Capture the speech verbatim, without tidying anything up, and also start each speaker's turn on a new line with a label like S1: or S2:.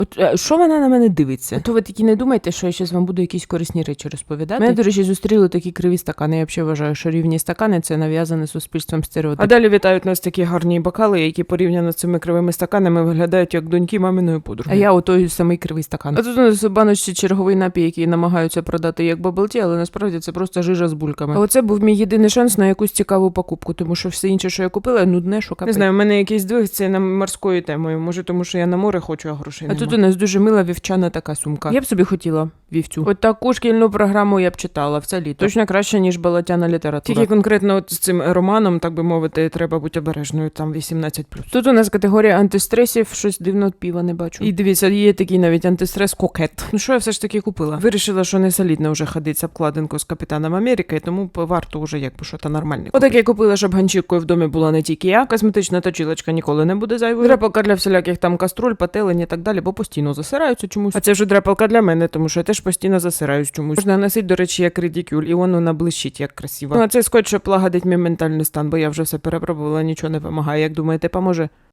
S1: От е, що вона на мене дивиться? То ви такі не думайте, що я зараз вам буду якісь корисні речі розповідати. Мене, до речі, зустріли такі криві стакани. Я взагалі вважаю, що рівні стакани – це нав'язане суспільством стереотип. А далі вітають нас такі гарні бокали, які порівняно з цими кривими стаканами виглядають як доньки маминої подруги. А я отой самий кривий стакан. А тут у нас у баночці черговий напій, який намагаються продати як баблті, але насправді це просто жижа з бульками. А оце був мій єдиний шанс на якусь цікаву покупку, тому що все інше, що я купила, нудне, що капець. Не знаю, у мене якийсь двиг це на морською темою. Може, тому що я на море хочу, а грошей нема. А тут у нас дуже мила вівчана така сумка. Я б собі хотіла вівцю. От таку шкільну програму я б читала все літо. Точно краще, ніж балатяна література. Тільки конкретно от з цим романом, так би мовити, треба бути обережною, там вісімнадцять плюс. Тут у нас категорія антистресів, щось дивно піва не бачу. І дивіться, є такий навіть антистрес кокет. Ну що я все ж таки купила? Вирішила, що не солідно вже ходить з обкладинку з Капітаном Америки, тому варто вже якби що-то нормальне. Отак я купила, щоб ганчіркою в домі була не тільки я. Косметична точилочка ніколи не буде зайвою. Драпалка для всіляких там каструль, пателень і так далі, бо постійно засираються чомусь. А це вже драпалка для мене, тому що я теж постійно засираюсь чомусь. Можна носити, до речі, як редикюль, і воно наблищить, як красиво. Ну, а це скотч, щоб лагодить мій ментальний стан, бо я вже все перепробувала, нічого не допомагає. Як думаєте, поможе?